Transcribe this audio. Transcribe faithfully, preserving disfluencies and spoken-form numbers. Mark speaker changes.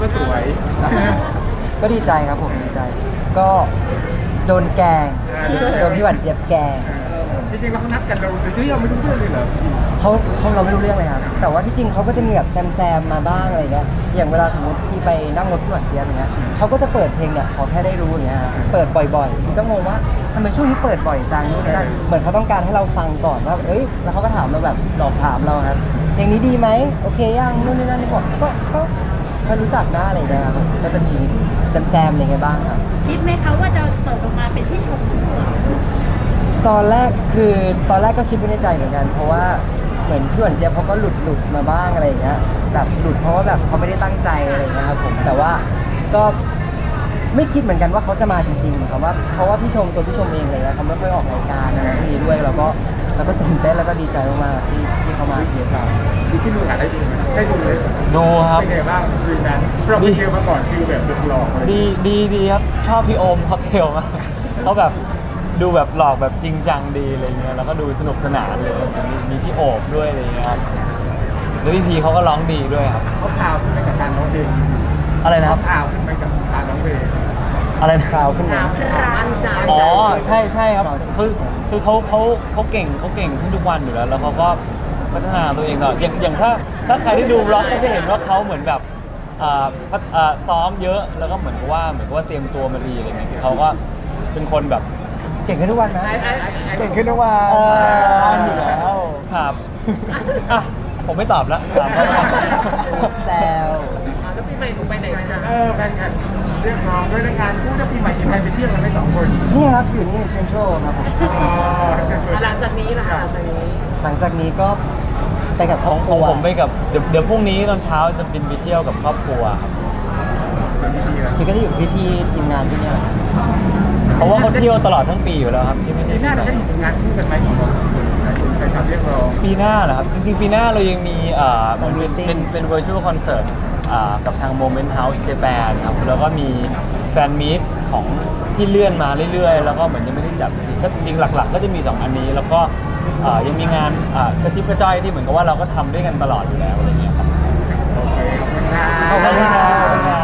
Speaker 1: ก็สวย
Speaker 2: ก็ดีใจครับผมดีใจ ก็โดนแกล้งโดนพี่หวานเจี๊ยบแกล้ง
Speaker 1: จริงๆเรานัดกันเราที่เราไม่รู้เรื่องเลยเหรอ
Speaker 2: เขาเขาเราไม่รู้เรื่องเลยครับแต่ว่าที่จริงเขาก็จะมีแบบแซมแซมมาบ้างอะไรเงี้ยอย่างเวลาสมมติพี่ไปนั่งรถพี่หวานเจี๊ยบอย่างเงี้ยเขาก็จะเปิดเพลงเนี่ยขอแค่ได้รู้อย่างเงี้ยเปิดบ่อยๆพี่ก็งงว่าทำไมช่วงนี้เปิดบ่อยจังนู่นนี่นั่นเหมือนเขาต้องการให้เราฟังก่อนว่าเอ้ยแล้วเขาก็ถามเราแบบหลอกถามเราครับเพลงนี้ดีไหมโอเคยังนู่นนี่นั่นนี่บอกก็ก็ก็รู้จักนะอะไรเงี้ยครับก็จะมีแซมแซมอะไรเงี้ยบ้างครับ
Speaker 3: คิดไหมคะว่าจะเปิดออกมาเป็นที่ชมพู่เหรอ
Speaker 2: ตอนแรกคือตอนแรกก็คิดไว้ในใจเหมือนกัน เพราะว่าเหมือนพี่หวานเจี๊ยบเขาก็หลุดหลุดมาบ้างอะไรอย่างเงี้ยแบบหลุดเพราะว่าแบบเขาไม่ได้ตั้งใจอะไรอย่างเงี้ยครับผมแต่ว่าก็ไม่คิดเหมือนกันว่าเขาจะมาจริงๆครับว่าเพราะว่าพี่ชมตัวพี่ชมเองอะไรเลยเขาไม่ค่อยออกรายการอะไรพวกนี้ด้วยแล้วก็แล้วก็ตื่นเต้นแล้วก็ดีใจมากๆที่ที่เขามาเทียบเรา
Speaker 1: ดีที่ดูกันได้ดูไหมได้ดูเลย
Speaker 4: ดูครับ
Speaker 1: เป็นไงบ้างคืนนั้นเราไปเจอมาก่อนฟิลแบบหลอกๆเลย
Speaker 4: ดีดีดีครับชอบพี่โอมค็อกเทลมากเขาแบบดูแบบหลอกแบบจริงจังดีอะไรเงี้ยแล้วก็ดูสนุกสนานเลยมีมีพี่โอบด้วยอะไรเงี้ยครับแล้วพี่พีเขาก็ร้องดีด้วยครับ
Speaker 1: เขาพาวขึ้นไปกับการร้องเพลง
Speaker 4: อะไรนะครับ
Speaker 1: พาวขึ้นไปกับการร้องเพลง
Speaker 4: อะไรนะ
Speaker 2: ข่าวขึ้นมา
Speaker 3: มั่นใจ
Speaker 4: อ๋อใช่ใช่ครับคือคือเขาเขาเขาเก่งเขาเก่งขึ้นทุกวันอยู่แล้วแล้วเขาก็พัฒนาตัวเองตลอดอย่างอย่างถ้าถ้าใครที่ดูร็อกก็จะเห็นว่าเขาเหมือนแบบอ่าพัฒอ่าซ้อมเยอะแล้วก็เหมือนกับว่าเหมือนกับว่าเตรียมตัวมาดีอะไรเงี้ยคือเขาก็เป็นคนแบบ
Speaker 2: เก่งขึ้นทุกวันนะ
Speaker 4: เก่งขึ้นทุกวัน
Speaker 2: เออ
Speaker 4: อยู่แล้วครับอ่ะผมไม่ตอบแล้วถามเขาไป
Speaker 2: แซว
Speaker 3: แล้วปีใหม่หนูไปไหนกัน
Speaker 1: เออแฟนกันเรียกร้องด้วยงานคู่ถ้าปีใหม่มีใครไปเที่ยวกันไหมสองคน
Speaker 2: นี่ครับอยู่นี่เซ็นทรัลครับผม
Speaker 1: อ๋อ
Speaker 3: หลังจากนี้ล่ะหลังจากนี้
Speaker 2: หลังจากนี้ก็ไปกับค
Speaker 4: ข
Speaker 2: รอ
Speaker 4: อบ ง
Speaker 2: ค
Speaker 4: ของ
Speaker 2: รัว
Speaker 4: ผมไปกับเดี๋ยวเดี๋ยวพรุ่งนี้ตอนเช้าจะบินไปเที่ยวกับครอบครัวครับ
Speaker 2: คือก็จะอยู่พี่พี่ๆทีมงานที่เนี่ยแหละ
Speaker 4: เพราะว่าเขาเที่ยวตลอดทั้งปีอยู่แล้วครับที่ไม่ได้
Speaker 1: ปีหน้าเราจะเห็นงานคู่กันไหมของเราไปทำเรียกร้อง
Speaker 4: ปีหน้าเหรอครับจริงๆปีหน้าเรายังมีเอ่อมันเป็นเป็นเป็น virtual concert อ่ากับทาง Moment House Japan ครับแล้วก็มีแฟนมีตของที่เลื่อนมาเรื่อยๆ แล้วก็เหมือนยังไม่ได้จัดสักทีก็จริงๆหลักๆ ก็จะมีสองอันนี้แล้วก็เอ่อยังมีงานอ่ากระจิบกระจ้อยที่เหมือนกับว่าเราก็ทำด้วยกันตลอดอยู่แล้วอะไรเงี้ยครับ
Speaker 1: โอเคขอบคุณครับ
Speaker 2: ขอบคุณครับ